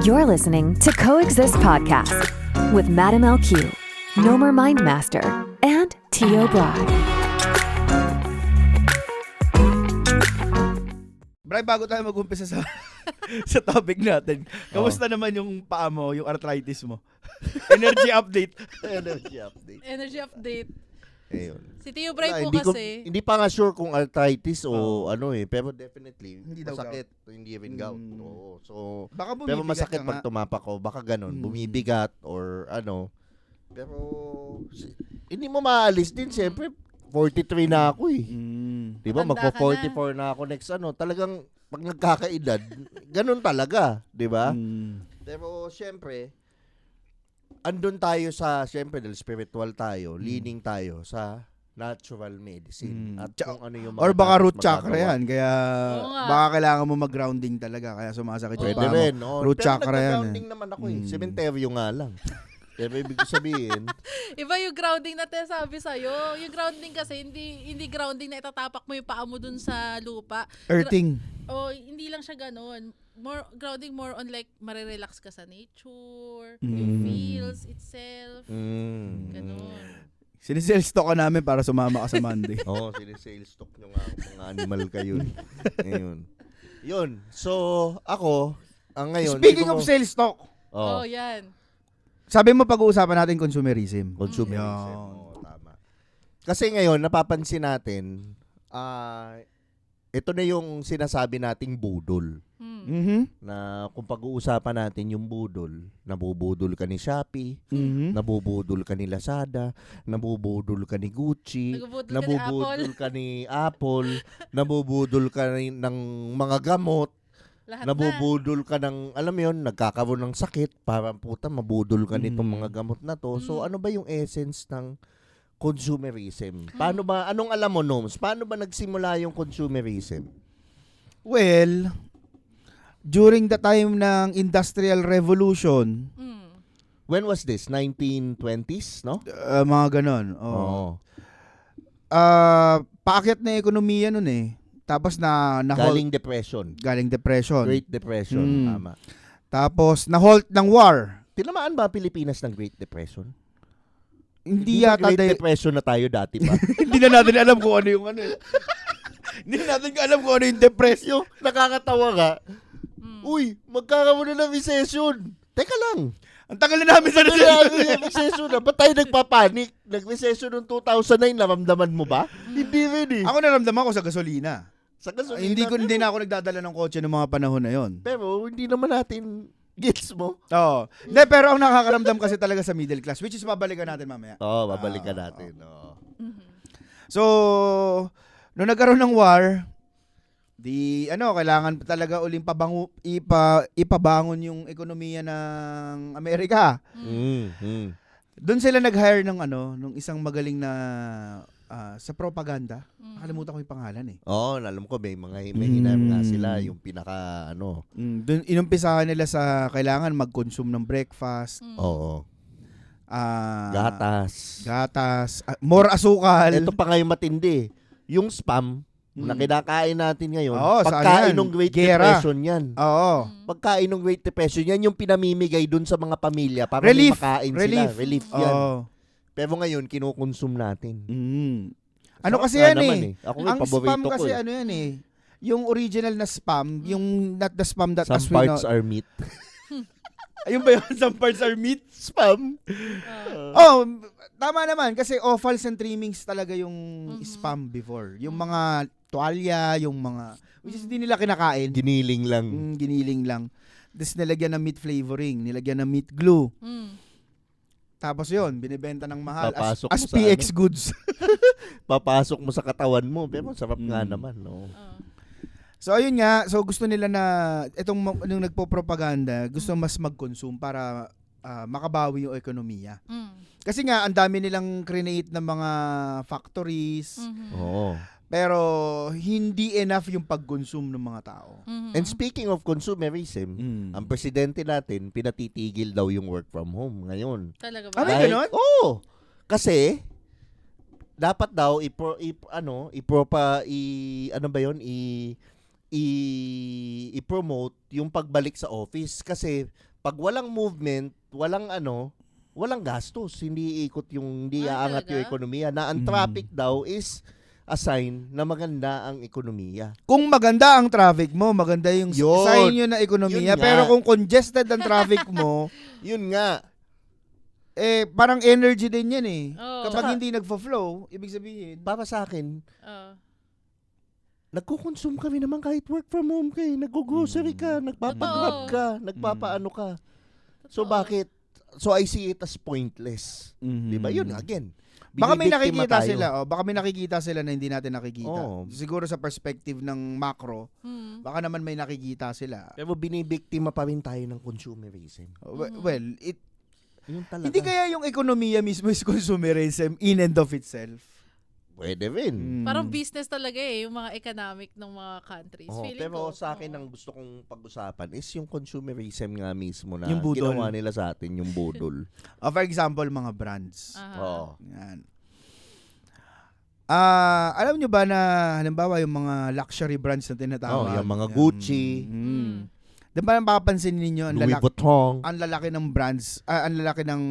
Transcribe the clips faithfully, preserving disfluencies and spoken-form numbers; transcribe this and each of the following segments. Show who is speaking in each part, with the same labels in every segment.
Speaker 1: You're listening to Coexist Podcast with Madam L Q, Nomer Mindmaster, and Tio Brad.
Speaker 2: Bray, bago tayo mag-umpisa sa sa topic natin, kamusta naman yung paa mo, yung arthritis mo? Energy update.
Speaker 3: Energy update.
Speaker 4: Energy update.
Speaker 3: Ayun.
Speaker 4: Si Tio Bray
Speaker 3: Wala,
Speaker 4: po
Speaker 3: hindi ko-
Speaker 4: kasi.
Speaker 3: hindi pa nga sure kung arthritis o
Speaker 2: Oo.
Speaker 3: ano eh. Pero definitely,
Speaker 2: Hindi daw
Speaker 3: masakit. Hindi even gout.
Speaker 2: Mm.
Speaker 3: Oo. So,
Speaker 2: Baka bumibigat
Speaker 3: pero masakit
Speaker 2: ka
Speaker 3: pag
Speaker 2: nga.
Speaker 3: tumapak ko. Baka ganun.
Speaker 2: Mm.
Speaker 3: Bumibigat or ano. Pero, si- hindi mo maalis din. Siyempre, forty-three na ako eh.
Speaker 2: Mm.
Speaker 3: Di ba?
Speaker 4: Matanda ka
Speaker 3: Magpo-forty-four na. ako next ano. Talagang, pag nagkakaedad, ganun talaga. Di ba?
Speaker 2: Mm.
Speaker 3: Pero, siyempre, andun tayo sa, siyempre, dahil spiritual tayo, leaning tayo sa natural medicine.
Speaker 2: Mm.
Speaker 3: At
Speaker 2: Tsaka-
Speaker 3: kung ano yung mga
Speaker 2: Or baka
Speaker 3: dapat
Speaker 2: root chakra
Speaker 3: magagawa.
Speaker 2: yan, kaya
Speaker 4: Oo nga.
Speaker 2: baka kailangan mo mag-grounding talaga, kaya sumasakit yung
Speaker 3: Pwede
Speaker 2: paa mo.
Speaker 3: rin. Oh.
Speaker 2: Root
Speaker 3: Pero
Speaker 2: chakra yan eh.
Speaker 3: nagka-grounding naman ako eh.
Speaker 2: Mm.
Speaker 3: Cementerio nga lang. Pero ibig sabihin,
Speaker 4: Iba yung grounding na sabi sa'yo. Yung grounding kasi, hindi hindi grounding na itatapak mo yung paa mo dun sa lupa.
Speaker 2: Earthing.
Speaker 4: O, hindi lang siya ganun. More, grounding more on like, marirelax ka sa nature,
Speaker 2: Mm.
Speaker 4: yung feels itself.
Speaker 3: mm,
Speaker 4: Ganun.
Speaker 2: Sinisales talk ka namin para sumama ka sa Monday.
Speaker 3: Oo, oh, sinisales stock nyo nga mga animal kayo. Ayun. Yun. So, ako, ang ngayon...
Speaker 2: Speaking
Speaker 3: siguro-
Speaker 2: of sales talk,
Speaker 3: Oh,
Speaker 4: Oh, yan.
Speaker 2: sabi mo pag-uusapan natin consumerism.
Speaker 3: consumerism.
Speaker 2: Yun.
Speaker 3: Oo, tama. Kasi ngayon, napapansin natin, ah, ito na yung sinasabi nating budol.
Speaker 4: Hmm.
Speaker 2: Mhm.
Speaker 3: Na kung pag-uusapan natin yung budol, nabubudol ka ni Shopee,
Speaker 2: Mhm.
Speaker 3: nabubudol ka ni Lazada, nabubudol ka ni Gucci,
Speaker 4: Nagbubudol ka ni
Speaker 3: nabubudol ka ni Apple, nabubudol ka ni- ng mga gamot,
Speaker 4: Lahat
Speaker 3: nabubudol ka ng, alam mo yun, nagkakaroon ng sakit, parang puta, mabudol ka nitong
Speaker 2: Mm.
Speaker 3: mga gamot na to. So
Speaker 4: Mm.
Speaker 3: ano ba yung essence ng consumerism? Paano ba, anong alam mo, Noms? Paano ba nagsimula yung consumerism?
Speaker 2: Well, during the time ng Industrial Revolution,
Speaker 4: na. Hmm.
Speaker 3: When was this? nineteen twenties, no?
Speaker 2: uh, mga ganon.
Speaker 3: Oo.
Speaker 2: Oh. Ah, paakyat na ekonomiya nun eh. Tapos na na
Speaker 3: Galing depression.
Speaker 2: galing depression.
Speaker 3: Great Depression,
Speaker 2: Mm.
Speaker 3: tama.
Speaker 2: Tapos na halt ng war.
Speaker 3: Tinamaan ba ang Pilipinas ng Great Depression?
Speaker 2: Hindi
Speaker 3: ba
Speaker 2: yata
Speaker 3: Great
Speaker 2: dahil-
Speaker 3: Depression na tayo dati pa?
Speaker 2: hindi na natin alam kung ano yung ano. eh. Hindi na natin alam kung ano yung depression.
Speaker 3: Yung nakakatawa ka,
Speaker 4: Hmm.
Speaker 3: uy, magkakaroon na ng recession. Teka lang.
Speaker 2: Ang tagal na namin sa
Speaker 3: Ano
Speaker 2: recession.
Speaker 3: na yung recession na? Ba't tayo nagpapanik? Nag-recession noong two thousand nine, naramdaman mo ba? Hindi rin eh.
Speaker 2: Ako naramdaman ko sa gasolina.
Speaker 3: Sa gasolina.
Speaker 2: Ay, hindi ko
Speaker 3: pero-
Speaker 2: hindi na ako nagdadala ng kotse ng mga panahon na yon.
Speaker 3: Pero hindi naman natin gets mo.
Speaker 2: Oo. Hindi, pero ang nakakaramdam kasi talaga sa middle class, which is babalikan natin mamaya.
Speaker 3: Oo, oh, babalikan
Speaker 2: Ah,
Speaker 3: natin. Oo.
Speaker 2: So, nung nagkaroon ng war, di ano, kailangan talaga uling pabango, ipa, ipabangon yung ekonomiya ng Amerika.
Speaker 3: Mm, mm.
Speaker 2: Doon sila nag-hire ng ano, nung isang magaling na ah, sa propaganda.
Speaker 4: Hmm.
Speaker 2: Nakalimutan ko yung pangalan eh.
Speaker 3: Oo, alam ko may mga may hinam nga
Speaker 2: Mm.
Speaker 3: sila yung pinaka ano.
Speaker 2: Mm, doon inumpisahan nila sa kailangan mag-consume ng breakfast,
Speaker 4: Hmm.
Speaker 3: Oo.
Speaker 2: ah,
Speaker 3: Gatas.
Speaker 2: gatas, ah, more asukal.
Speaker 3: Ito pa nga yung matindi. Yung spam
Speaker 2: Mm.
Speaker 3: na kinakain natin ngayon,
Speaker 2: Oo, saan
Speaker 3: pagkain
Speaker 2: yan?
Speaker 3: ng Great
Speaker 2: Gera.
Speaker 3: Depression yan.
Speaker 2: Oo.
Speaker 4: Hmm.
Speaker 3: Pagkain ng Great Depression, yan yung pinamimigay dun sa mga pamilya para
Speaker 2: Relief.
Speaker 3: may makain
Speaker 2: Relief.
Speaker 3: sila. Relief yan.
Speaker 2: Oo.
Speaker 3: Pero ngayon, kinukonsume natin.
Speaker 2: Mm. Ano
Speaker 3: Sarap
Speaker 2: kasi
Speaker 3: nga
Speaker 2: yan
Speaker 3: naman
Speaker 2: eh.
Speaker 3: Ako
Speaker 2: Ang
Speaker 3: yung paborito
Speaker 2: spam
Speaker 3: ko
Speaker 2: kasi
Speaker 3: eh.
Speaker 2: ano yan eh. Yung original na spam, yung not the spam that
Speaker 3: Some
Speaker 2: as we know.
Speaker 3: parts are meat.
Speaker 2: Ayun ba yun? Some parts are meat?
Speaker 3: Spam?
Speaker 4: Ah.
Speaker 2: Oh, tama naman. Kasi offals and trimmings talaga yung
Speaker 4: Mhm.
Speaker 2: spam before. Yung mga tuwalya, yung mga, which is hindi nila kinakain.
Speaker 3: Giniling lang.
Speaker 2: Mm, giniling lang. Tapos nilagyan ng meat flavoring, nilagyan ng meat glue.
Speaker 4: Hmm.
Speaker 2: Tapos yun, binibenta ng mahal as,
Speaker 3: Papasok
Speaker 2: as
Speaker 3: mo sa
Speaker 2: P X goods.
Speaker 3: Papasok mo sa katawan mo. Pero sarap nga
Speaker 2: Mm.
Speaker 3: naman. No?
Speaker 4: Ah.
Speaker 2: So ayun nga, so gusto nila na itong ma- nung nagpo-propaganda, gusto mas mag-consume para ah, makabawi yung ekonomiya.
Speaker 4: Hmm.
Speaker 2: Kasi nga ang dami nilang create ng mga factories,
Speaker 4: Mhm.
Speaker 3: Oo.
Speaker 2: pero hindi enough yung pag-consume ng mga tao.
Speaker 4: Mhm.
Speaker 3: And speaking of consumerism, ang presidente natin, pinatitigil daw yung work from home ngayon.
Speaker 4: Talaga
Speaker 2: Ah,
Speaker 4: ba?
Speaker 2: may
Speaker 3: Dahil-
Speaker 2: ganon?
Speaker 3: Oo. Kasi, dapat daw, ipro, ip, ano, ipropa, i, ano ba yun, i, i, i-promote yung pagbalik sa office. Kasi, pag walang movement, walang ano, walang gastos. Hindi iikot yung, hindi
Speaker 4: Ah,
Speaker 3: aangat yung
Speaker 4: talaga?
Speaker 3: ekonomiya. Na ang
Speaker 2: Mm.
Speaker 3: traffic daw is a sign na maganda ang ekonomiya.
Speaker 2: Kung maganda ang traffic mo, maganda yung
Speaker 3: Yun.
Speaker 2: sign yun na ekonomiya.
Speaker 3: Yun nga.
Speaker 2: Pero kung congested ang traffic mo,
Speaker 3: Yun nga.
Speaker 2: eh, parang energy din yan eh.
Speaker 4: Oo.
Speaker 2: Kapag
Speaker 3: Tsaka-
Speaker 2: hindi nagfo-flow, ibig sabihin,
Speaker 3: Para sa akin,
Speaker 4: Oo.
Speaker 3: nagko-consume kami naman kahit work from home kayo. Nag-grocery ka, nagpapag-grab
Speaker 4: Totoo.
Speaker 3: ka, nagpapaano ka. So
Speaker 4: Totoo.
Speaker 3: bakit? So I see it as pointless.
Speaker 2: Mhm.
Speaker 3: Di ba? Yun, again.
Speaker 2: Baka may
Speaker 3: binibiktima
Speaker 2: nakikita
Speaker 3: tayo.
Speaker 2: sila, oh, baka may nakikita sila na hindi natin nakikita.
Speaker 3: Oo.
Speaker 2: Siguro sa perspective ng macro,
Speaker 4: Mm.
Speaker 2: baka naman may nakikita sila.
Speaker 3: Pero binibiktima pa rin tayo ng consumerism.
Speaker 2: We-
Speaker 4: Mhm.
Speaker 2: Well, it
Speaker 3: Yun talaga.
Speaker 2: hindi kaya yung ekonomiya mismo is consumerism in and of itself.
Speaker 3: Pwede rin.
Speaker 2: Mm.
Speaker 4: Parang business talaga eh, yung mga economic ng mga countries.
Speaker 3: Oo,
Speaker 4: Feeling
Speaker 3: pero
Speaker 4: ko,
Speaker 3: sa akin,
Speaker 4: oo.
Speaker 3: ang gusto kong pag-usapan is yung consumerism nga mismo na
Speaker 2: Yung budol.
Speaker 3: ginawa nila sa atin, yung budol.
Speaker 2: Oh, for example, mga brands.
Speaker 4: Aha.
Speaker 3: Oo.
Speaker 2: Yan. Ah, alam nyo ba na halimbawa yung mga luxury brands na tinatawag?
Speaker 3: Oh, yung mga
Speaker 2: yan,
Speaker 3: Gucci.
Speaker 2: Mm.
Speaker 4: Mm.
Speaker 2: Diba mapapansin ninyo ang
Speaker 3: Louis
Speaker 2: lalaki,
Speaker 3: Vuitton.
Speaker 2: ang lalaki ng brands, ah, ang lalaki ng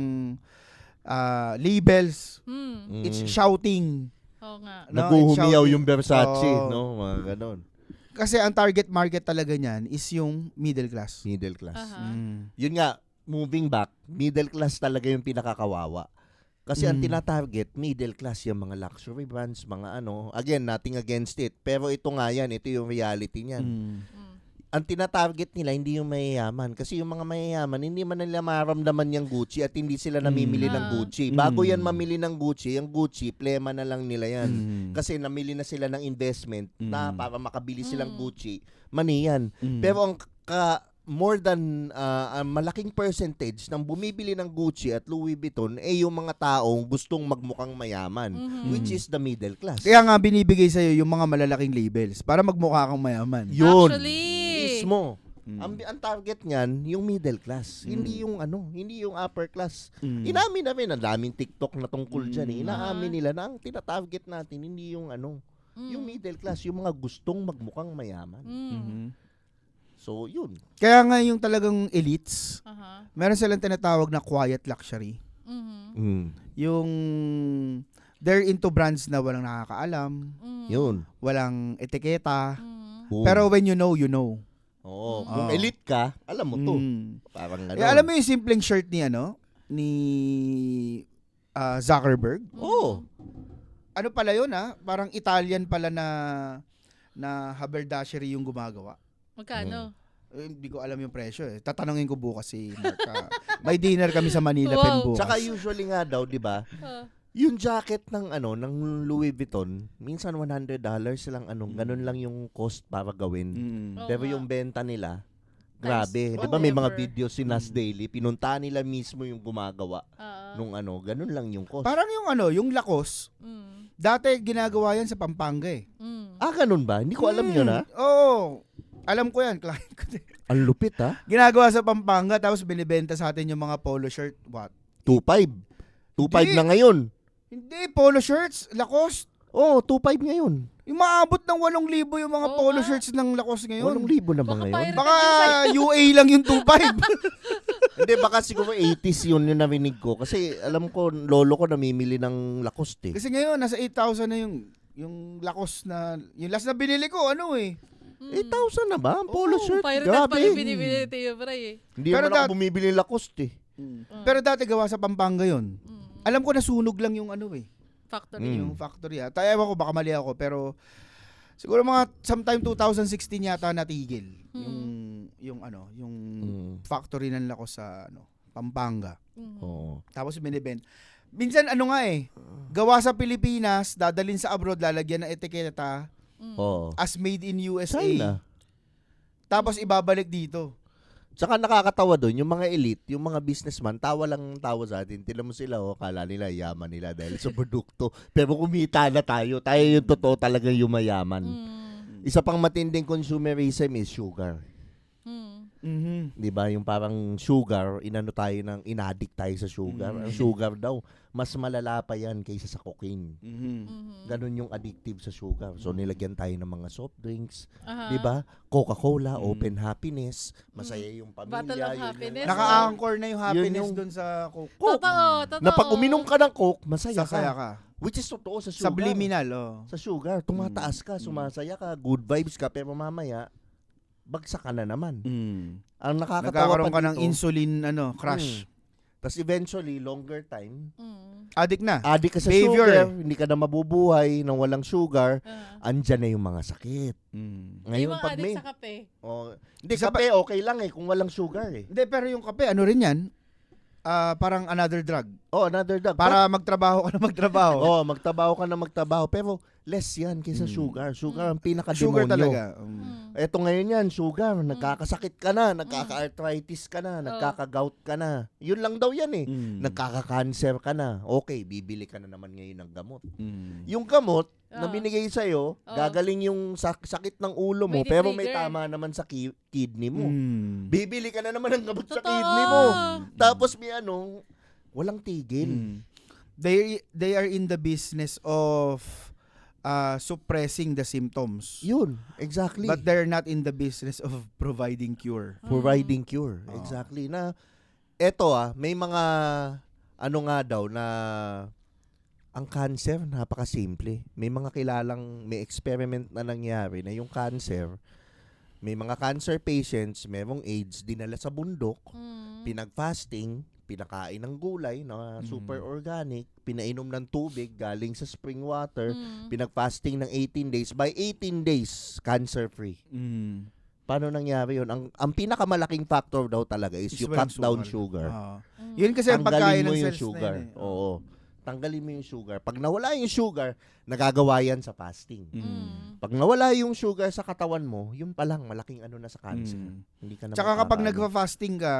Speaker 2: ah, labels.
Speaker 4: Mm.
Speaker 2: It's
Speaker 3: Mm.
Speaker 2: shouting.
Speaker 4: Oo nga.
Speaker 2: No,
Speaker 3: Naguhumiyaw
Speaker 2: it's
Speaker 3: yung Versace,
Speaker 2: Oo.
Speaker 3: no? Mga ganon.
Speaker 2: Kasi ang target market talaga niyan is yung middle class.
Speaker 3: Middle class.
Speaker 4: Aha.
Speaker 2: Mm.
Speaker 3: Yun nga, moving back, middle class talaga yung pinakakawawa. Kasi ang
Speaker 2: Mm.
Speaker 3: tinatarget, middle class, yung mga luxury brands, mga ano. Again, nothing against it. Pero ito nga yan, ito yung reality niyan.
Speaker 2: Mm.
Speaker 4: Mm.
Speaker 3: Ang tinatarget nila, hindi yung mayayaman. Kasi yung mga mayayaman, hindi man nila maramdaman yung Gucci at hindi sila namimili
Speaker 2: Mm.
Speaker 3: ng
Speaker 4: Ah.
Speaker 3: Gucci. Bago
Speaker 2: Mm.
Speaker 3: yan mamili ng Gucci, yung Gucci, plema na lang nila yan.
Speaker 2: Mm.
Speaker 3: Kasi namili na sila ng investment na
Speaker 2: Mm.
Speaker 3: para makabili
Speaker 4: Mm.
Speaker 3: silang Gucci, mani yan.
Speaker 2: Mm.
Speaker 3: Pero ang ka, more than uh, ang malaking percentage ng bumibili ng Gucci at Louis Vuitton ay yung mga taong gustong magmukhang mayaman,
Speaker 4: Mhm.
Speaker 3: which is the middle class.
Speaker 2: Kaya nga binibigay sa'yo yung mga malalaking labels para magmukha kang mayaman.
Speaker 3: Yun.
Speaker 4: Actually.
Speaker 3: Mismo.
Speaker 2: Mm.
Speaker 3: Ang, ang target niyan, yung middle class.
Speaker 2: Mm.
Speaker 3: Hindi yung ano, hindi yung upper class.
Speaker 2: Mm.
Speaker 3: Inamin na rin, ang daming TikTok na tungkol dyan. Eh.
Speaker 2: Mm.
Speaker 3: Inaamin nila na ang tinatarget natin, hindi yung ano,
Speaker 4: Mm.
Speaker 3: yung middle class, yung mga gustong magmukhang mayaman.
Speaker 4: Mm.
Speaker 2: Mhm.
Speaker 3: So, yun.
Speaker 2: Kaya nga yung talagang elites,
Speaker 4: Aha.
Speaker 2: meron silang tinatawag na quiet luxury.
Speaker 4: Mhm.
Speaker 3: Mm.
Speaker 2: Yung they're into brands na walang nakakaalam,
Speaker 4: Mm.
Speaker 3: Yun.
Speaker 2: walang etiketa.
Speaker 4: Mm.
Speaker 3: Boom.
Speaker 2: Pero when you know, you know.
Speaker 3: Oo.
Speaker 4: Mm.
Speaker 3: Kung
Speaker 2: Oo.
Speaker 3: elite ka, alam mo to.
Speaker 2: Mm.
Speaker 3: Parang ano.
Speaker 2: Eh, alam mo yung simpleng shirt ni ano? Ni ah, Zuckerberg?
Speaker 3: Oo.
Speaker 2: Ano pala yun ah? Parang Italian pala na na haberdashery yung gumagawa.
Speaker 4: Magkano?
Speaker 2: Eh, hindi ko alam yung presyo eh. Tatanungin ko bukas si Mark. ah. May dinner kami sa Manila
Speaker 4: Wow.
Speaker 2: pen bukas.
Speaker 3: Tsaka usually nga daw, di ba?
Speaker 4: Ah.
Speaker 3: Yung jacket ng ano, ng Louis Vuitton, minsan one hundred dollars lang anong, ganun lang yung cost para gawin.
Speaker 2: Mm.
Speaker 4: Oo
Speaker 3: Pero
Speaker 4: nga.
Speaker 3: yung benta nila, grabe. Di ba
Speaker 4: whatever.
Speaker 3: may mga videos si Nas
Speaker 2: Mm.
Speaker 3: Daily, pinunta nila mismo yung gumagawa
Speaker 4: Ah.
Speaker 3: nung ano, ganun lang yung cost.
Speaker 2: Parang yung ano, yung Lacoste,
Speaker 4: Mm.
Speaker 2: dati ginagawa yan sa Pampanga eh.
Speaker 4: Mm.
Speaker 3: Ah, ganun ba? Hindi ko alam
Speaker 2: Mm.
Speaker 3: yun ha.
Speaker 2: Oo. Alam ko yan, client ko din.
Speaker 3: Ang lupit ha.
Speaker 2: Ginagawa sa Pampanga tapos binibenta sa atin yung mga polo shirt. What?
Speaker 3: two five. two five
Speaker 2: Hindi.
Speaker 3: na ngayon.
Speaker 2: Hindi, polo shirts, Lacoste.
Speaker 3: Oh, two five ngayon.
Speaker 2: Yung maabot ng walong libo yung mga
Speaker 4: Oo
Speaker 2: polo
Speaker 4: nga.
Speaker 2: shirts ng Lacoste ngayon.
Speaker 3: Walang libo na ba
Speaker 4: Baka
Speaker 3: ngayon?
Speaker 4: pirate.
Speaker 2: Baka U A lang yung two five.
Speaker 3: Hindi, baka siguro eighties yun yung narinig ko. Kasi alam ko, lolo ko namimili ng Lacoste eh.
Speaker 2: Kasi ngayon, nasa eight thousand na yung yung Lacoste na, yung last na binili ko, ano eh.
Speaker 4: Mm.
Speaker 3: eight thousand na ba? Ang polo
Speaker 2: Oo,
Speaker 3: shirt?
Speaker 4: Pirated
Speaker 3: Grabe.
Speaker 4: pa yung binibili tayo, pre. eh.
Speaker 3: Hindi
Speaker 2: Pero
Speaker 3: naman ako
Speaker 2: dat-
Speaker 3: bumibili ng Lacoste eh.
Speaker 4: Mm.
Speaker 2: Pero dati gawa sa Pampanga yun.
Speaker 4: Mm.
Speaker 2: Alam ko nasunog lang yung ano eh.
Speaker 4: Factory.
Speaker 3: Mm.
Speaker 2: Yung factory ah. Tayo ewan ko, baka mali ako, pero siguro mga sometime twenty sixteen yata natigil.
Speaker 4: Mm.
Speaker 2: Yung, yung ano, yung
Speaker 3: Mm.
Speaker 2: factory ng Lacoste sa ano, Pampanga.
Speaker 4: Mm.
Speaker 3: Oo.
Speaker 2: Tapos binibent. Minsan ano nga eh, gawa sa Pilipinas, dadalhin sa abroad, lalagyan ng etiketa
Speaker 4: Mm.
Speaker 3: Oo.
Speaker 2: as made in U S A.
Speaker 3: China.
Speaker 2: Tapos ibabalik dito.
Speaker 3: Tsaka nakakatawa doon, yung mga elite, yung mga businessman, tawa lang ang tawa sa atin. Tila mo sila, oh, kala nila yaman nila dahil sa produkto. Pero kumita na tayo. Tayo yung totoo talaga yung mayaman.
Speaker 4: Mm.
Speaker 3: Isa pang matinding consumerism is sugar.
Speaker 4: Mm.
Speaker 2: Mhm.
Speaker 3: 'Di ba? Yung parang sugar, inano tayo ng inaddict tayo sa sugar.
Speaker 2: Mm.
Speaker 3: Ang sugar daw, mas malala pa yan kaysa sa cocaine.
Speaker 2: Mhm.
Speaker 4: Mhm.
Speaker 3: Ganun yung addictive sa sugar. So nilagyan tayo ng mga soft drinks,
Speaker 4: Aha.
Speaker 3: 'di ba? Coca-Cola,
Speaker 2: Mm.
Speaker 3: open happiness, masaya yung pamilya.
Speaker 4: Battle of
Speaker 3: yun yung-
Speaker 4: happiness.
Speaker 2: Naka-anchor na yung happiness
Speaker 3: yung-
Speaker 2: dun sa Coke.
Speaker 4: Totoo, totoo.
Speaker 3: Na pag uminom ka ng Coke, masaya
Speaker 2: Sasaya
Speaker 3: ka.
Speaker 2: ka.
Speaker 3: Which is totoo sa sugar.
Speaker 2: Subliminal, oh.
Speaker 3: Sa sugar, tumataas ka,
Speaker 2: Mm.
Speaker 3: sumasaya ka, good vibes ka, pero mamaya, bagsak ka na naman.
Speaker 2: Mm.
Speaker 3: Ang nakakatawa
Speaker 2: Nagkakaroon
Speaker 3: pa
Speaker 2: ka ng
Speaker 3: dito,
Speaker 2: insulin, ano, crush.
Speaker 3: Tapos eventually, longer time,
Speaker 4: Mm.
Speaker 2: Addict na.
Speaker 3: addict ka sa
Speaker 2: Behavior.
Speaker 3: sugar, hindi ka na mabubuhay nang walang sugar,
Speaker 4: Ah.
Speaker 3: andyan na yung mga sakit.
Speaker 2: Mm.
Speaker 3: Ngayon,
Speaker 4: Yung mga
Speaker 3: pag
Speaker 4: addict
Speaker 3: may...
Speaker 4: sa kape.
Speaker 3: Oh, hindi,
Speaker 2: Isa
Speaker 3: kape okay lang eh, kung walang sugar eh.
Speaker 2: Hindi, pero yung kape, ano rin yan? Ah, parang another drug.
Speaker 3: Oh, another drug.
Speaker 2: Para magtrabaho ka na magtrabaho.
Speaker 3: oh, magtabaho ka na magtabaho, pero less yan kaysa
Speaker 2: Mm.
Speaker 3: sugar. Sugar ang pinaka-demonyo.
Speaker 2: Sugar talaga. Mm.
Speaker 4: Mm.
Speaker 3: Eto ngayon yan, sugar. Nagkakasakit ka na, nagkaka-arthritis ka na, nagkaka-gout ka na. Yun lang daw yan eh.
Speaker 2: Mm.
Speaker 3: Nagkaka-cancer ka na. Okay, bibili ka na naman ngayon ng gamot.
Speaker 2: Mm.
Speaker 3: Yung gamot na
Speaker 4: Oo.
Speaker 3: binigay sa'yo,
Speaker 4: Oo.
Speaker 3: gagaling yung sak- sakit ng ulo mo,
Speaker 4: May
Speaker 3: pero may
Speaker 4: trigger.
Speaker 3: tama naman sa ki- kidney mo.
Speaker 2: Mm.
Speaker 3: Bibili ka na naman ng gamot sa
Speaker 4: Totoo.
Speaker 3: kidney mo. Tapos may ano, walang tigil.
Speaker 2: Mm. They they are in the business of uh, suppressing the symptoms.
Speaker 3: Yun, exactly.
Speaker 2: But they're not in the business of providing cure.
Speaker 3: Providing cure.
Speaker 2: Oo.
Speaker 3: Exactly. Na eto ah, may mga ano nga daw na ang cancer napakasimple. May mga kilalang may experiment na nangyari na yung cancer, may mga cancer patients, merong AIDS, dinala sa bundok,
Speaker 4: Mm.
Speaker 3: pinag-fasting, pinakain ng gulay na super organic, pinainom ng tubig galing sa spring water,
Speaker 4: Mm.
Speaker 3: pinag-fasting ng eighteen days. By eighteen days, cancer-free.
Speaker 2: Mm.
Speaker 3: Paano nangyari yun? Ang, ang pinakamalaking factor daw talaga is,
Speaker 2: Is
Speaker 3: you
Speaker 2: walang
Speaker 3: cut down
Speaker 2: sukal.
Speaker 3: sugar.
Speaker 2: Ah.
Speaker 4: Mm.
Speaker 2: Yun kasi ang pagkain
Speaker 3: Tanggalin mo
Speaker 2: ng
Speaker 3: yung
Speaker 2: cells
Speaker 3: sugar.
Speaker 2: na yun eh.
Speaker 3: Oo. Tanggalin mo yung sugar. Pag nawala yung sugar, nagagawa yan sa fasting.
Speaker 2: Mm.
Speaker 3: Pag nawala yung sugar sa katawan mo, yun pa lang, malaking ano na sa cancer.
Speaker 2: Mm.
Speaker 3: Hindi ka na
Speaker 2: Tsaka kapag
Speaker 3: magkakaano.
Speaker 2: nagfa-fasting ka,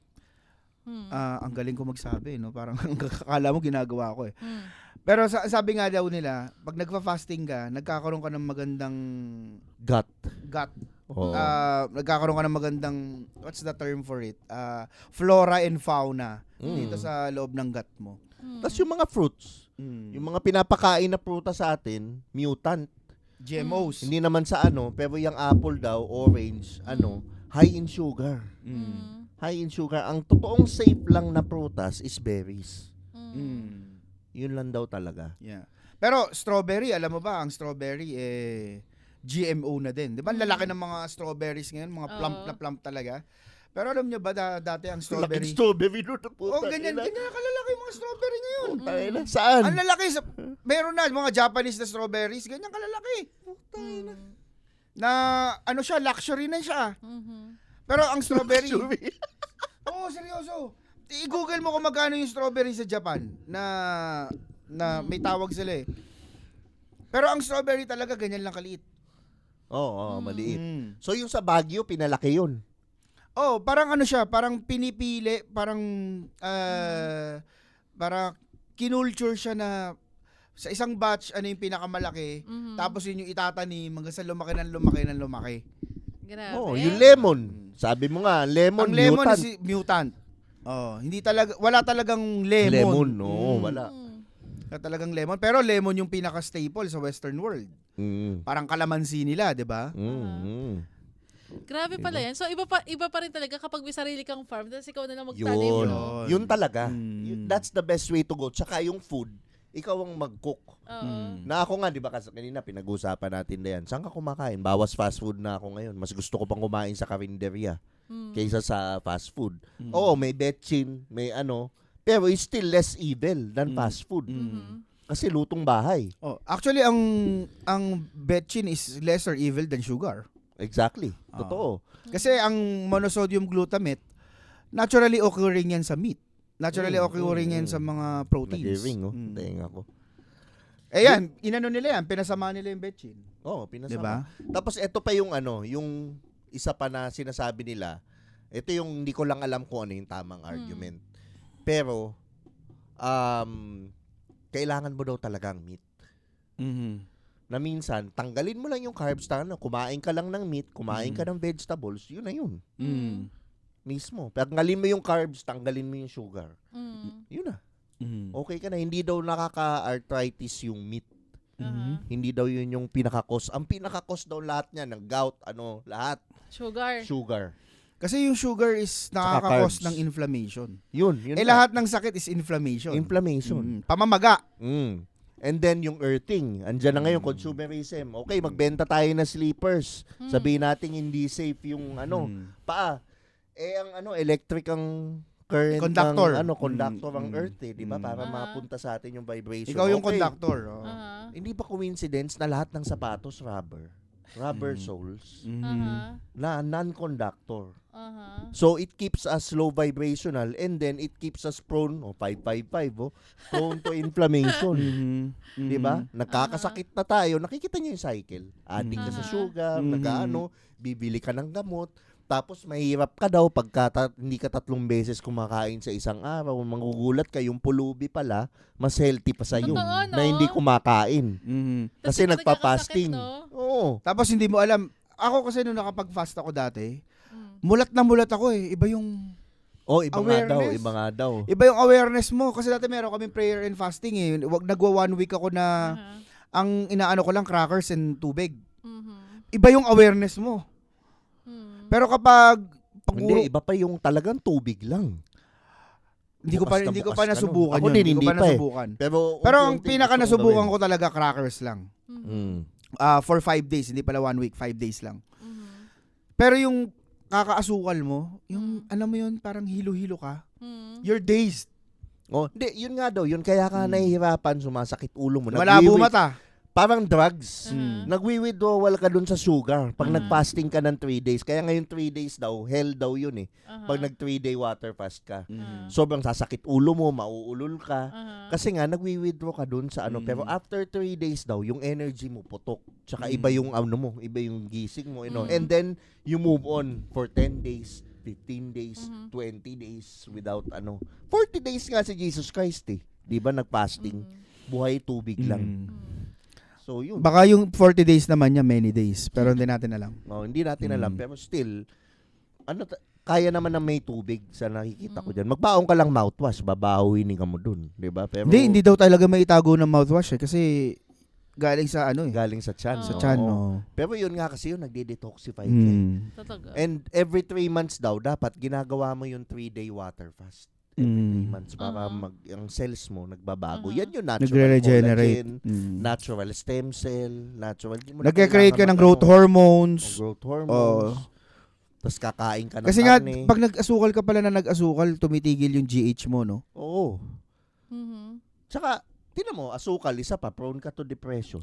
Speaker 4: Mm.
Speaker 2: ah, ang galing ko magsabi, no? Parang ang kakala mo ginagawa ko eh.
Speaker 4: Mm.
Speaker 2: Pero sa, sabi nga daw nila, pag nagfa-fasting ka, nagkakaroon ka ng magandang
Speaker 3: Gut.
Speaker 2: gut.
Speaker 3: Oo.
Speaker 2: Ah, nagkakaroon ka ng magandang, what's the term for it? Ah, flora and fauna
Speaker 3: Mm.
Speaker 2: dito sa loob ng gut mo.
Speaker 4: Mm.
Speaker 3: Tapos yung mga fruits, yung mga pinapakain na prutas sa atin, mutant.
Speaker 2: G M Os.
Speaker 3: Hindi naman sa ano, pero yung apple daw, orange, ano, high in sugar.
Speaker 2: Mm.
Speaker 4: Mm.
Speaker 3: High in sugar. Ang totoong safe lang na prutas is berries.
Speaker 4: Mm.
Speaker 2: Mm.
Speaker 3: Yun lang daw talaga.
Speaker 2: Yeah. Pero strawberry, alam mo ba, ang strawberry eh G M O na din. 'Di ba? Ang lalaki ng mga strawberries ngayon, mga plump
Speaker 4: Oo.
Speaker 2: na plump talaga. Pero alam niyo ba da- dati ang strawberry?
Speaker 3: Laking strawberry doon na puta.
Speaker 2: Oh, ganyan, ganyan kalalaki yung mga strawberry ngayon.
Speaker 3: Puta, ina. Saan?
Speaker 2: Ang lalaki sa meron na mga Japanese na strawberries, ganyan kalalaki.
Speaker 4: Mm.
Speaker 2: Na ano siya, luxury na siya.
Speaker 4: Mhm.
Speaker 2: Pero ang strawberry,
Speaker 3: Luxury.
Speaker 2: oo, seryoso. I-google mo kung magkano yung strawberry sa Japan na na may tawag sila eh. Pero ang strawberry talaga ganyan lang kaliit.
Speaker 3: Oo, oh, maliit.
Speaker 2: Mm.
Speaker 3: So yung sa Baguio, pinalaki yun.
Speaker 2: Oh, parang ano siya, parang pinipili, parang uh, para kinulture siya na sa isang batch ano yung pinakamalaki,
Speaker 4: Mhm.
Speaker 2: tapos yun yung itatanim hanggang sa lumaki ng lumaki ng lumaki.
Speaker 4: Grabe.
Speaker 3: Oh, yung lemon. Sabi mo nga, lemon,
Speaker 2: Ang lemon
Speaker 3: mutant.
Speaker 2: is mutant. Oh, hindi talaga wala talagang lemon.
Speaker 3: Lemon, no,
Speaker 2: Mm.
Speaker 3: wala.
Speaker 4: Mm.
Speaker 2: Wala talagang lemon, pero lemon yung pinaka staple sa western world.
Speaker 3: Mm.
Speaker 2: Parang kalamansi nila, 'di ba?
Speaker 3: Mm. mm.
Speaker 4: Grabe pala yan. So, iba pa iba pa rin talaga kapag may sarili kang farm, tapos ikaw na lang magtanim.
Speaker 3: Yun.
Speaker 2: Yun.
Speaker 3: Yun talaga.
Speaker 2: Mm.
Speaker 3: Yun- That's the best way to go. Tsaka yung food, ikaw ang mag-cook.
Speaker 4: Oo.
Speaker 2: Mm.
Speaker 3: Na ako nga, di ba, kasi kanina pinag-usapan natin na yan. Saan ka kumakain? Bawas fast food na ako ngayon. Mas gusto ko pang kumain sa karinderya
Speaker 4: Mm.
Speaker 3: kaysa sa fast food.
Speaker 2: Mm.
Speaker 3: Oo, may betchin, may ano. Pero it's still less evil than
Speaker 2: Mm.
Speaker 3: fast food.
Speaker 2: Mm.
Speaker 4: Mhm.
Speaker 3: Kasi lutong bahay.
Speaker 2: Oh, actually ang ang betchin is lesser evil than sugar.
Speaker 3: Exactly.
Speaker 2: Ah.
Speaker 3: Totoo.
Speaker 2: Kasi ang monosodium glutamate naturally occurring yan sa meat. Naturally
Speaker 3: Mm,
Speaker 2: occurring
Speaker 3: mm,
Speaker 2: yan
Speaker 3: mm.
Speaker 2: sa mga proteins.
Speaker 3: Nag-ring, oh.
Speaker 2: Mm.
Speaker 3: Tenga ko.
Speaker 2: Eh yan, inano nila yan, pinasama nila yung betchin.
Speaker 3: Oo, pinasama.
Speaker 2: 'Di ba?
Speaker 3: Tapos ito pa yung ano, yung isa pa na sinasabi nila. Ito yung hindi ko lang alam kung ano yung tamang argument. Pero um kailangan mo daw talagang meat.
Speaker 2: Mhm.
Speaker 3: Na minsan, tanggalin mo lang yung carbs, tanga, kumain ka lang ng meat, kumain ka
Speaker 2: Mm.
Speaker 3: ng vegetables, yun na yun.
Speaker 2: Mm.
Speaker 3: Mismo. Tanggalin mo yung carbs, tanggalin mo yung sugar.
Speaker 4: Mm.
Speaker 3: Yun na.
Speaker 2: Mm.
Speaker 3: Okay ka na. Hindi daw nakaka-arthritis yung meat.
Speaker 4: Aha.
Speaker 3: Hindi daw yun yung pinaka-cause. Ang pinaka-cause daw lahat niya, ng gout, ano, lahat.
Speaker 4: Sugar.
Speaker 3: Sugar.
Speaker 2: Kasi yung sugar is
Speaker 3: Tsaka
Speaker 2: nakaka-cause
Speaker 3: carbs.
Speaker 2: ng inflammation.
Speaker 3: Yun. yun
Speaker 2: Eh
Speaker 3: na.
Speaker 2: lahat ng sakit is inflammation.
Speaker 3: Inflammation.
Speaker 2: Mm. Pamamaga.
Speaker 3: Mm. And then yung earthing, andyan na ngayon, consumerism. Okay, magbenta tayo ng sleepers.
Speaker 4: Mm.
Speaker 3: Sabihin natin hindi safe yung ano,
Speaker 2: Mm.
Speaker 3: paa. Eh ang ano, electric ang current
Speaker 2: Conductor.
Speaker 3: ng ano, conductor
Speaker 2: Mm,
Speaker 3: ang
Speaker 2: mm,
Speaker 3: earth eh, di ba?
Speaker 2: mm.
Speaker 3: Para
Speaker 4: Aha.
Speaker 3: mapunta sa atin yung vibration.
Speaker 2: Ikaw yung
Speaker 3: Okay.
Speaker 2: conductor. Oh.
Speaker 4: Aha.
Speaker 3: Hindi ba coincidence na lahat ng sapatos rubber? Rubber
Speaker 2: Mm.
Speaker 3: soles
Speaker 2: Mhm.
Speaker 4: Aha.
Speaker 3: na non-conductor.
Speaker 4: Aha.
Speaker 3: So it keeps us low vibrational and then it keeps us prone, oh, five five five, oh, prone to inflammation.
Speaker 2: Mhm.
Speaker 3: Di ba?
Speaker 2: Mhm.
Speaker 3: Nagkakasakit na tayo. Nakikita niyo yung cycle. Addict ka sa
Speaker 4: Aha.
Speaker 3: sugar,
Speaker 2: Mhm.
Speaker 3: nag-ano, bibili ka ng gamot, tapos mahirap ka daw pagka ta- hindi ka tatlong beses kumakain sa isang araw, mangugulat ka, yung pulubi pala, mas healthy pa sa'yo
Speaker 4: Totoo, no?
Speaker 3: na hindi kumakain.
Speaker 2: Mhm.
Speaker 4: Tas
Speaker 3: Kasi
Speaker 4: hindi ka
Speaker 3: nagpa-fasting.
Speaker 4: nagkakasakit, no?
Speaker 3: Oo.
Speaker 2: Tapos hindi mo alam, ako kasi nung nakapag-fast ako dati,
Speaker 4: Mm.
Speaker 2: mulat na mulat ako eh. Iba yung
Speaker 3: Oh, iba nga daw,
Speaker 2: Awareness.
Speaker 3: iba nga daw.
Speaker 2: iba yung awareness mo kasi dati meron kaming prayer and fasting eh. Wag nagwa one week ako na
Speaker 4: Aha.
Speaker 2: ang inaano ko lang crackers and tubig.
Speaker 4: Mhm.
Speaker 2: Iba yung awareness mo.
Speaker 4: Mm.
Speaker 2: Pero kapag pag
Speaker 3: Hindi,
Speaker 2: puro-
Speaker 3: iba pa yung talagang tubig lang.
Speaker 2: hindi ko pa
Speaker 3: bukas na
Speaker 2: hindi ko
Speaker 3: bukas
Speaker 2: pa
Speaker 3: ka nun.
Speaker 2: nasubukan
Speaker 3: Ako
Speaker 2: yun.
Speaker 3: din,
Speaker 2: Hindi ko
Speaker 3: hindi
Speaker 2: pa
Speaker 3: pa eh.
Speaker 2: nasubukan.
Speaker 3: Pero,
Speaker 2: Pero ang
Speaker 3: unti-unti
Speaker 2: pinaka
Speaker 3: gusto kong
Speaker 2: nasubukan
Speaker 3: gawin.
Speaker 2: ko talaga crackers lang.
Speaker 4: Mhm.
Speaker 3: Mm.
Speaker 2: Ah, for five days, hindi pala one week, five days lang.
Speaker 4: Mhm.
Speaker 2: Pero yung kakaasukal mo, yung
Speaker 4: Mm.
Speaker 2: alam mo yun, parang hilo-hilo ka.
Speaker 4: Mm.
Speaker 2: You're dazed.
Speaker 3: Oh, hindi, yun nga daw, yun kaya ka
Speaker 2: Mm.
Speaker 3: nahihirapan, sumasakit ulo mo.
Speaker 2: Malabo
Speaker 3: Nagwiwi-
Speaker 2: mata.
Speaker 3: Parang drugs.
Speaker 4: Aha.
Speaker 3: Nagwi-withdrawal ka dun sa sugar pag
Speaker 4: Mhm.
Speaker 3: nag-fasting ka ng three days. Kaya ngayon three days daw, hell daw yun eh.
Speaker 4: Aha.
Speaker 3: Pag nag-three day water fast ka.
Speaker 4: Ah.
Speaker 3: Sobrang sasakit ulo mo, mauulol ka.
Speaker 4: Aha.
Speaker 3: Kasi nga, nagwi-withdraw ka dun sa ano.
Speaker 2: Mm.
Speaker 3: Pero after three days daw, yung energy mo putok. Tsaka
Speaker 2: Mm.
Speaker 3: iba yung ano mo, iba yung gising mo. You know?
Speaker 4: Mm.
Speaker 3: And then, you move on for ten days, fifteen days,
Speaker 4: Mhm.
Speaker 3: twenty days without ano. forty days nga si Jesus Christ eh. Di ba nag-fasting?
Speaker 4: Mhm.
Speaker 3: Buhay tubig lang.
Speaker 2: Mm.
Speaker 4: Mm.
Speaker 3: So yun.
Speaker 2: Baka yung forty days naman niya, many days. Pero hindi natin alam.
Speaker 3: Oh, hindi natin alam.
Speaker 2: Mm.
Speaker 3: Pero still, ano ta- kaya naman na may tubig sa nakikita ko
Speaker 4: Mm.
Speaker 3: dyan. Magbaong ka lang mouthwash, babahuin ka mo dun. Di ba? Pero
Speaker 2: Hindi, hindi daw talaga may itago ng mouthwash eh. Kasi galing sa ano eh.
Speaker 3: galing sa chan.
Speaker 4: Sa
Speaker 3: no?
Speaker 2: Chan,
Speaker 3: Oo.
Speaker 2: no.
Speaker 3: Pero yun nga kasi yun, nagde-detoxify ka. eh.
Speaker 2: Mm.
Speaker 4: Totoo.
Speaker 3: And every three months daw, dapat ginagawa mo yung three-day water fast. Every three
Speaker 2: Mm.
Speaker 3: months para
Speaker 4: Aha.
Speaker 3: mag, ang cells mo nagbabago.
Speaker 4: Aha.
Speaker 3: Yan yung natural
Speaker 2: Nagre-regenerate.
Speaker 3: collagen,
Speaker 2: Mm.
Speaker 3: natural stem cell, natural. Di mo na
Speaker 2: Nagke-create ka
Speaker 3: kailangan
Speaker 2: ng growth
Speaker 3: mag-
Speaker 2: hormones.
Speaker 3: oh, growth hormones.
Speaker 2: Oo.
Speaker 3: Tapos kakain ka ng
Speaker 2: Kasi nga,
Speaker 3: karne.
Speaker 2: pag nag-asukal ka pala na nag-asukal, tumitigil yung G H mo, no?
Speaker 3: Oo.
Speaker 4: Mhm.
Speaker 3: Tsaka, tinan mo, asukal, isa pa, prone ka to depression.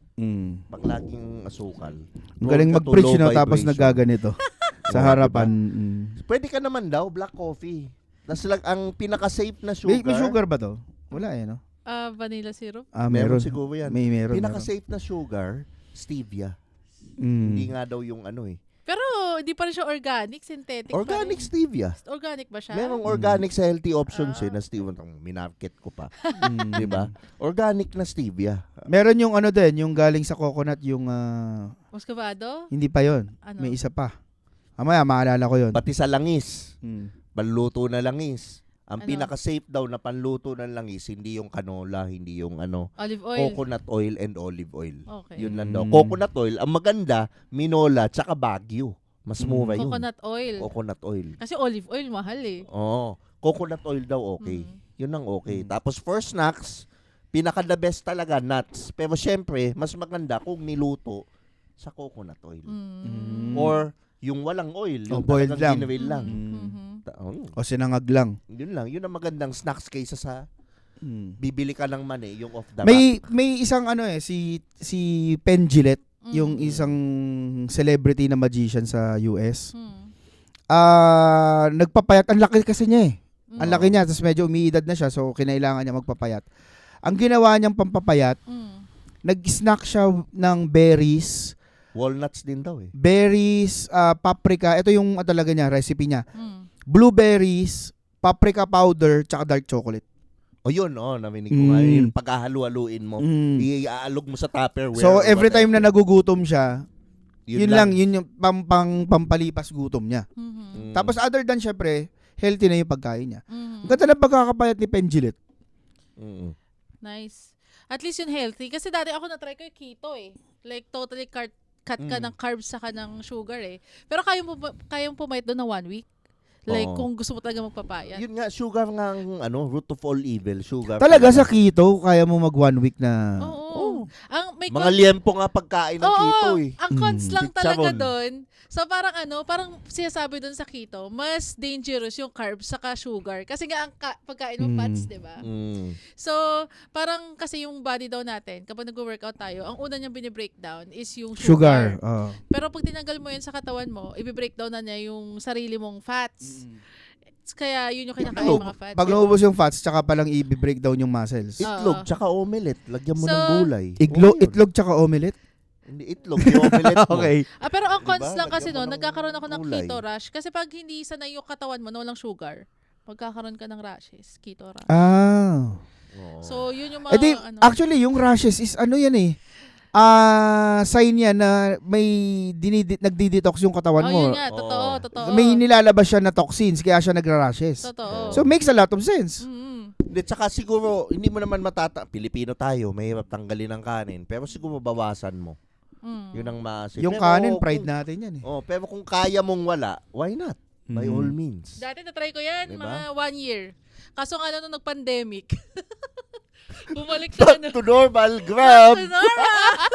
Speaker 2: Mm.
Speaker 3: Pag laging asukal.
Speaker 2: Ang galing
Speaker 3: Prone ka to
Speaker 2: mag-preach,
Speaker 3: low
Speaker 2: no? Tapos
Speaker 3: vibration.
Speaker 2: nagaganito. Sa
Speaker 3: Oo,
Speaker 2: harapan. Mm.
Speaker 3: Pwede ka naman daw, black coffee. Tapos lang, ang pinaka-safe na
Speaker 2: May,
Speaker 3: sugar,
Speaker 2: may sugar ba to? Wala eh, no?
Speaker 4: Ah, vanilla syrup.
Speaker 2: Ah,
Speaker 3: meron,
Speaker 2: meron.
Speaker 3: siguro yan.
Speaker 2: May meron.
Speaker 3: Pinaka-safe na sugar, stevia.
Speaker 2: meron. Mm.
Speaker 3: Hindi nga daw yung ano eh.
Speaker 4: Pero hindi pa rin siya organic, synthetic
Speaker 3: Organic
Speaker 4: pa rin.
Speaker 3: stevia.
Speaker 4: Organic ba siya?
Speaker 3: Merong organic sa healthy options
Speaker 4: Ah.
Speaker 3: eh, na stevia. Ang minarket ko pa.
Speaker 2: Mm.
Speaker 3: Di ba? Organic na stevia.
Speaker 2: Meron yung ano din, yung galing sa coconut, yung ah,
Speaker 4: Muscovado?
Speaker 2: hindi pa yon.
Speaker 4: Ano?
Speaker 2: May isa pa. Mamaya, maalala ko yun.
Speaker 3: Pati sa langis.
Speaker 2: Mm.
Speaker 3: Panluto na langis. Ang
Speaker 4: Ano?
Speaker 3: pinaka-safe daw na panluto ng langis, hindi yung canola, hindi yung ano,
Speaker 4: Olive oil.
Speaker 3: coconut oil and olive oil.
Speaker 4: Okay.
Speaker 3: Yun lang daw.
Speaker 2: Mm.
Speaker 3: Coconut oil, ang maganda, minola, tsaka bagyo. Mas
Speaker 2: Mm.
Speaker 3: mura yun.
Speaker 4: Coconut oil.
Speaker 3: Coconut oil.
Speaker 4: Kasi olive oil mahal eh.
Speaker 3: Oo. Coconut oil daw okay.
Speaker 4: Mm.
Speaker 3: Yun ang okay.
Speaker 2: Mm.
Speaker 3: Tapos for snacks, pinaka the best talaga, nuts. Pero syempre, mas maganda kung niluto sa coconut oil.
Speaker 4: Mm.
Speaker 3: Or yung walang oil, yung
Speaker 2: Oh, boiled
Speaker 3: talagang
Speaker 2: lang.
Speaker 3: ginawil lang.
Speaker 2: Mm.
Speaker 4: Mhm.
Speaker 3: Ta- oh,
Speaker 2: O sinangag lang.
Speaker 3: yun lang. Yun ang magandang snacks kaysa sa
Speaker 2: Mm.
Speaker 3: bibili ka ng mani, yung off the rack.
Speaker 2: May may isang ano eh, si si Penn Jillette,
Speaker 4: Mm.
Speaker 2: yung isang celebrity na magician sa U S.
Speaker 4: Mm.
Speaker 2: Ah, nagpapayat. Ang laki kasi niya eh.
Speaker 4: Mm.
Speaker 2: Ang laki niya, tapos medyo umiidad na siya, so kinailangan niya magpapayat. Ang ginawa niyang pampapayat,
Speaker 4: Mm.
Speaker 2: nag-snack siya ng berries,
Speaker 3: Walnuts din daw eh.
Speaker 2: berries, ah, paprika, ito yung ah, talaga niya, recipe niya.
Speaker 4: Mm.
Speaker 2: Blueberries, paprika powder, tsaka dark chocolate.
Speaker 3: O yun, oh, naminig ko nga.
Speaker 2: Mm.
Speaker 3: Yung paghahalu-haluin mo.
Speaker 2: Mm.
Speaker 3: Iaalog mo sa Tupperware.
Speaker 2: So
Speaker 3: or
Speaker 2: every
Speaker 3: whatever.
Speaker 2: time na nagugutom siya, yun, lang, yun yung pam, pang, pampalipas gutom niya.
Speaker 4: Mhm.
Speaker 3: Mm.
Speaker 2: Tapos other than syempre, healthy na yung pagkain niya.
Speaker 4: Mhm.
Speaker 2: Ang ganda ng pagkakapayat ni Penjilet.
Speaker 3: Mm.
Speaker 4: Nice. At least yun healthy. Kasi dati ako na-try ko yung keto eh. Like totally cut, cut ka
Speaker 3: Mm.
Speaker 4: ng carbs saka ng sugar eh. Pero kaya mo kayang pumayat doon na one week? Like
Speaker 3: Oo.
Speaker 4: kung gusto mo talaga magpapayat.
Speaker 3: Yun nga, sugar nga ang ano, root of all evil. Sugar.
Speaker 2: Talaga sa keto, kaya mo mag one week na...
Speaker 4: Oo. Ang may
Speaker 3: Mga liempo nga pagkain ng
Speaker 4: Oo,
Speaker 3: keto eh.
Speaker 4: ang cons
Speaker 2: Mm.
Speaker 4: lang talaga
Speaker 3: Chicharon.
Speaker 4: doon. So parang ano, parang sinasabi doon sa keto, mas dangerous yung carbs saka sugar. Kasi nga ang ka- pagkain mo
Speaker 2: Mm.
Speaker 4: fats, 'di ba?
Speaker 3: Mm.
Speaker 4: So, parang kasi yung body daw natin, kapag nag-workout tayo, ang una niyang binibreakdown is yung
Speaker 2: Sugar.
Speaker 4: sugar.
Speaker 2: oo.
Speaker 4: Pero pag tinanggal mo yun sa katawan mo, i-breakdown na niya yung sarili mong fats. Kaya yun yung kinakain
Speaker 2: Pag-
Speaker 4: mga fats.
Speaker 2: Pag naubos yung fats, tsaka palang i-break down yung muscles.
Speaker 3: Itlog,
Speaker 4: Oo.
Speaker 3: tsaka omelette. Lagyan mo
Speaker 4: So,
Speaker 3: ng gulay.
Speaker 2: Iglo,
Speaker 3: Oo, yun.
Speaker 2: itlog tsaka omelette?
Speaker 3: Hindi, itlog. Yung omelette mo.
Speaker 2: Okay.
Speaker 4: Ah, pero ang
Speaker 3: Diba?
Speaker 4: cons lang kasi
Speaker 3: Lagyan mo
Speaker 4: no,
Speaker 3: ng
Speaker 4: nagkakaroon ako ng
Speaker 3: gulay.
Speaker 4: keto rush. Kasi pag hindi sanay yung katawan mo na walang sugar, magkakaroon ka ng rashes, keto rush.
Speaker 3: Oo.
Speaker 2: Ah.
Speaker 4: So, yun yung mga,
Speaker 2: Eh di,
Speaker 4: ano.
Speaker 2: actually, yung rashes is ano yan eh. Ah, sign yan na may dinidi- nagdi-detox yung katawan
Speaker 4: oh,
Speaker 2: mo.
Speaker 4: yun nga, totoo,
Speaker 3: Oo.
Speaker 4: totoo.
Speaker 2: May nilalabas siya na toxins, kaya siya nagra-rashes.
Speaker 4: Totoo.
Speaker 2: So, makes a lot of sense.
Speaker 4: Mm-hmm.
Speaker 3: Hindi, tsaka siguro, hindi mo naman matata... Pilipino tayo, mahirap tanggalin ng kanin. Pero siguro bawasan mo.
Speaker 4: Mm.
Speaker 3: Yun ang maasip.
Speaker 2: Yung
Speaker 3: Pero
Speaker 2: kanin,
Speaker 3: kung-
Speaker 2: pride natin yan eh.
Speaker 3: Oh, pero kung kaya mong wala, why not? By
Speaker 2: Mhm.
Speaker 3: all means.
Speaker 4: Dati na-try ko yan,
Speaker 3: Diba?
Speaker 4: mga one year. Kaso nga ano, nung nag-pandemic. Bumalik sa ano.
Speaker 3: Back to normal, grab!
Speaker 4: Sonora!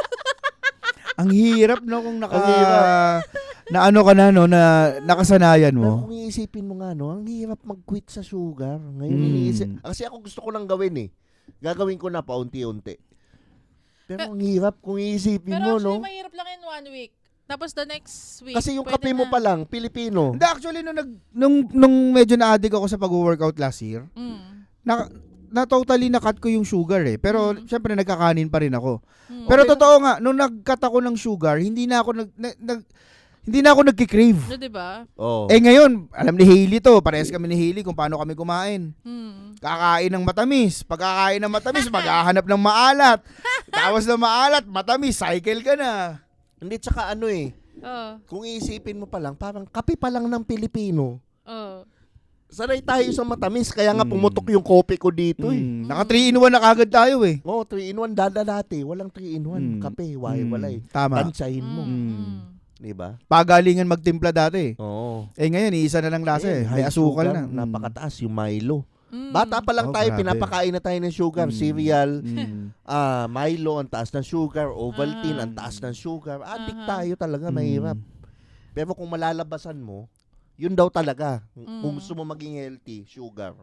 Speaker 2: Ang hirap no kung naka...
Speaker 3: Ang hirap.
Speaker 2: na ano ka na no, na nakasanayan
Speaker 3: Pero
Speaker 2: mo.
Speaker 3: kung iisipin mo nga, no, ang hirap mag-quit sa sugar. Ngayon,
Speaker 2: Mm.
Speaker 3: iniisip. Kasi ako gusto ko lang gawin eh. Gagawin ko na paunti-unti. Pero
Speaker 4: Pe-
Speaker 3: ang hirap kung iisipin
Speaker 4: Pero
Speaker 3: mo,
Speaker 4: actually,
Speaker 3: no?
Speaker 4: mahirap lang in one week. Tapos the next week,
Speaker 3: Kasi yung
Speaker 4: pwede
Speaker 3: kape mo
Speaker 4: na.
Speaker 3: pa lang, Pilipino.
Speaker 2: Hindi, actually, nung, nag, nung, nung medyo na-addict ako sa pag-workout last year,
Speaker 4: Mm.
Speaker 2: na, na totally na-cut ko yung sugar eh. Pero,
Speaker 4: Mm.
Speaker 2: syempre, nagkakanin pa rin ako.
Speaker 4: Mm.
Speaker 2: Pero
Speaker 3: Okay.
Speaker 2: totoo nga, nung nag-cut ako ng sugar, hindi na ako nag, nag, nag- hindi na ako nagki-crave.
Speaker 4: No, diba?
Speaker 3: Oh.
Speaker 2: Eh ngayon, alam ni Hailey to, parehas kami ni Hailey kung paano kami kumain.
Speaker 4: Mm.
Speaker 2: Kakain ng matamis. Pagkakain ng matamis, maghahanap ng maalat. Tapos ng maalat, matamis, cycle ka na.
Speaker 3: Hindi, tsaka ano eh.
Speaker 4: Oh.
Speaker 3: Kung iisipin mo pa lang, parang kape pa lang ng Pilipino.
Speaker 4: Oh.
Speaker 3: Sanay tayo sa matamis, kaya nga
Speaker 2: Mm.
Speaker 3: pumutok yung kope ko dito eh.
Speaker 2: Mm, naka three in one na kagad tayo eh.
Speaker 3: Oo, oh, three in one dada dati. Walang three in one.
Speaker 2: Mm.
Speaker 3: Kape, why,
Speaker 2: Mm,
Speaker 3: wala eh.
Speaker 2: Tama.
Speaker 3: Tansyahin mo.
Speaker 4: Mm.
Speaker 2: Mm.
Speaker 4: Mm.
Speaker 3: Diba?
Speaker 2: Pagalingan magtimpla dati eh.
Speaker 3: Oo.
Speaker 2: Eh ngayon, iisa na lang lasa eh.
Speaker 3: Eh,
Speaker 2: High
Speaker 3: may
Speaker 2: asukal
Speaker 3: sugar,
Speaker 2: na. Mm.
Speaker 3: Napakataas yung Milo.
Speaker 4: Mm.
Speaker 3: Bata pa lang
Speaker 2: Oh,
Speaker 3: tayo,
Speaker 2: grabe.
Speaker 3: pinapakain na tayo ng sugar.
Speaker 2: Mm.
Speaker 3: Cereal,
Speaker 2: Mm.
Speaker 3: ah Milo, ang taas ng sugar. Ovaltine,
Speaker 4: Ah.
Speaker 3: ang taas ng sugar. Addict
Speaker 4: Aha.
Speaker 3: tayo talaga,
Speaker 2: Mm.
Speaker 3: mahirap. Pero kung malalabasan mo, yun daw talaga.
Speaker 4: Mm.
Speaker 3: Kung gusto mo maging healthy, sugar.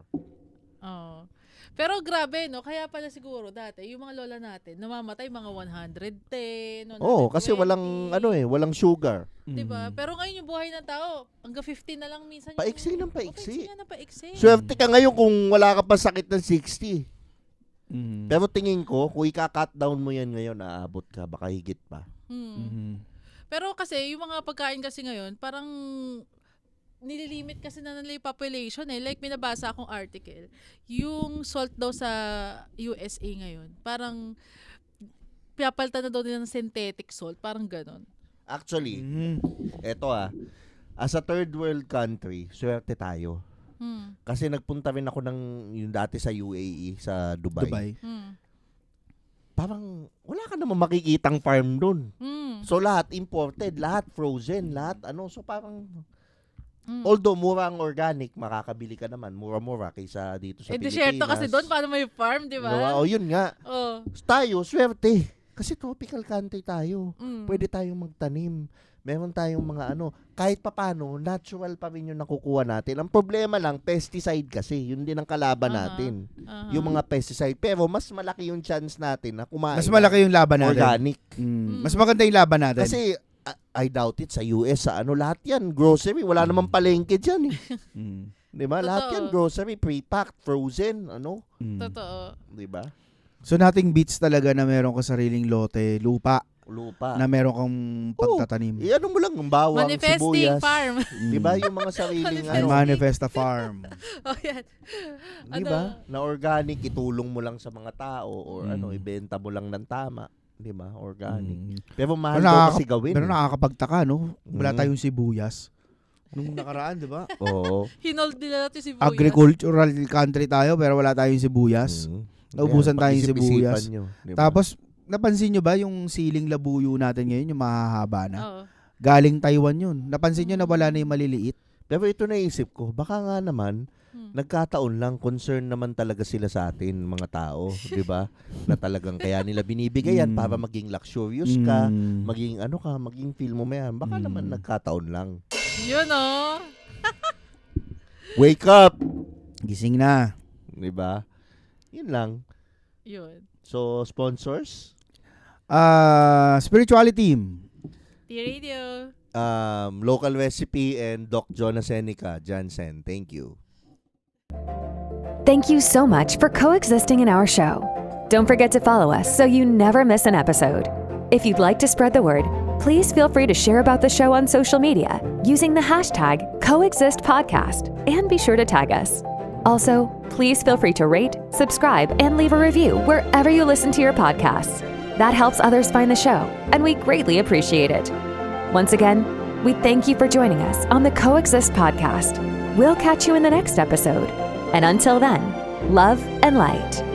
Speaker 4: Oh. Pero grabe, no? Kaya pala siguro dati, yung mga lola natin, namamatay mga one hundred ten, one
Speaker 3: Oo,
Speaker 4: hundred twenty.
Speaker 3: kasi walang, ano eh, walang sugar.
Speaker 4: Diba?
Speaker 2: Mm.
Speaker 4: Pero ngayon yung buhay ng tao, hanggang fifteen na lang minsan.
Speaker 3: Paiksi
Speaker 4: yung,
Speaker 3: ng paiksi.
Speaker 4: Oh, paiksi nga ng paiksi.
Speaker 3: Swerte ka ngayon kung wala ka pa sakit ng sixty.
Speaker 2: Mm.
Speaker 3: Pero tingin ko, kung ika-cut down mo yan ngayon, aabot ka, baka higit pa.
Speaker 4: Hmm.
Speaker 2: Mhm.
Speaker 4: Pero kasi, yung mga pagkain kasi ngayon, parang nililimit kasi na nila yung population eh. Like, minabasa akong article. Yung salt daw sa U S A ngayon, parang pinapalitan na daw nila ng synthetic salt. Parang ganon.
Speaker 3: Actually,
Speaker 2: Mhm.
Speaker 3: eto ah, as a third world country, swerte tayo.
Speaker 4: Hmm.
Speaker 3: Kasi nagpunta rin ako ng yung dati sa U A E, sa Dubai.
Speaker 2: Dubai.
Speaker 4: Hmm.
Speaker 3: Parang wala ka naman makikitang farm doon.
Speaker 4: Hmm.
Speaker 3: So lahat imported, lahat frozen, lahat ano. So parang,
Speaker 4: Hmm.
Speaker 3: although mura ang organic, makakabili ka naman. Mura-mura kaysa dito sa
Speaker 4: Eh,
Speaker 3: Pilipinas.
Speaker 4: desierto kasi doon, paano may farm, di ba?
Speaker 3: Diba? O yun nga.
Speaker 4: Oh.
Speaker 3: Tayo, swerte. Kasi tropical country tayo.
Speaker 4: Mm.
Speaker 3: Pwede tayong magtanim. Meron tayong mga ano, kahit papano, natural pa rin yung nakukuha natin. Ang problema lang, pesticide kasi. Yun din ang kalaban
Speaker 4: Aha.
Speaker 3: natin.
Speaker 4: Aha.
Speaker 3: Yung mga pesticide. Pero mas malaki yung chance natin na kumain.
Speaker 2: Mas malaki yung laban
Speaker 3: ng
Speaker 2: natin.
Speaker 3: organic.
Speaker 2: Mm. Mas maganda yung laban natin.
Speaker 3: Kasi, I, I doubt it, sa U S, sa ano, lahat yan, grocery. Wala namang palengke dyan eh.
Speaker 2: Mm.
Speaker 3: Di ba? Lahat
Speaker 4: Totoo.
Speaker 3: yan, grocery, pre-packed, frozen, ano.
Speaker 2: Mm.
Speaker 4: Totoo.
Speaker 3: Di ba?
Speaker 2: So nothing beats talaga na meron ka sariling lote, lupa.
Speaker 3: lupa.
Speaker 2: na meron kang pagtatanim.
Speaker 3: Eh, ano mo lang, ang bawang,
Speaker 4: Manifesting
Speaker 3: sibuyas.
Speaker 4: farm.
Speaker 3: Di ba? Yung mga sariling
Speaker 2: And
Speaker 3: ano.
Speaker 2: Manifesta Farm.
Speaker 4: Oh, yan.
Speaker 3: Di ba? Na organic, itulong mo lang sa mga tao or
Speaker 2: Mm.
Speaker 3: ano, ibenta mo lang ng tama. Di ba? Organic.
Speaker 2: Mm.
Speaker 3: Pero mahal
Speaker 2: Pero
Speaker 3: daw
Speaker 2: nakaka-
Speaker 3: kasi gawin.
Speaker 2: Pero nakakapagtaka, no? Wala
Speaker 3: Mm.
Speaker 2: tayong sibuyas. Nung nakaraan, di ba?
Speaker 3: Oo.
Speaker 4: Hinold nila natin si Buyas.
Speaker 2: Agricultural country tayo pero wala tayong sibuyas.
Speaker 3: Mm.
Speaker 2: Naubusan
Speaker 3: Kaya,
Speaker 2: tayong
Speaker 3: pag-isip-isipan
Speaker 2: sibuyas.
Speaker 3: nyo, di ba?
Speaker 2: Tapos, napansin nyo ba yung siling labuyo natin ngayon, yung mahahaba na?
Speaker 4: Oo.
Speaker 2: Galing Taiwan yun. Napansin nyo na wala na yung maliliit?
Speaker 3: Pero ito naisip ko, baka nga naman,
Speaker 4: Hmm.
Speaker 3: nagkataon lang, concern naman talaga sila sa atin, mga tao, di ba? Na talagang kaya nila binibigay yan
Speaker 2: Mm.
Speaker 3: para maging luxurious ka,
Speaker 2: Mm.
Speaker 3: maging ano ka, maging feel mo yan. Baka
Speaker 2: Mm.
Speaker 3: naman nagkataon lang.
Speaker 4: Yun, oh.
Speaker 3: Wake up!
Speaker 2: Gising na.
Speaker 3: Di ba? Yun lang.
Speaker 4: Yun.
Speaker 3: So, sponsors?
Speaker 2: Ah, spirituality team.
Speaker 4: T-Radio.
Speaker 3: Um, Local Recipe and Doc Jonah Seneca, Jansen. Thank you.
Speaker 1: Thank you so much for coexisting in our show. Don't forget to follow us so you never miss an episode. If you'd like to spread the word, please feel free to share about the show on social media using the hashtag CoexistPodcast and be sure to tag us. Also, please feel free to rate, subscribe, and leave a review wherever you listen to your podcasts. That helps others find the show, and we greatly appreciate it. Once again, we thank you for joining us on the Coexist Podcast. We'll catch you in the next episode. And until then, love and light.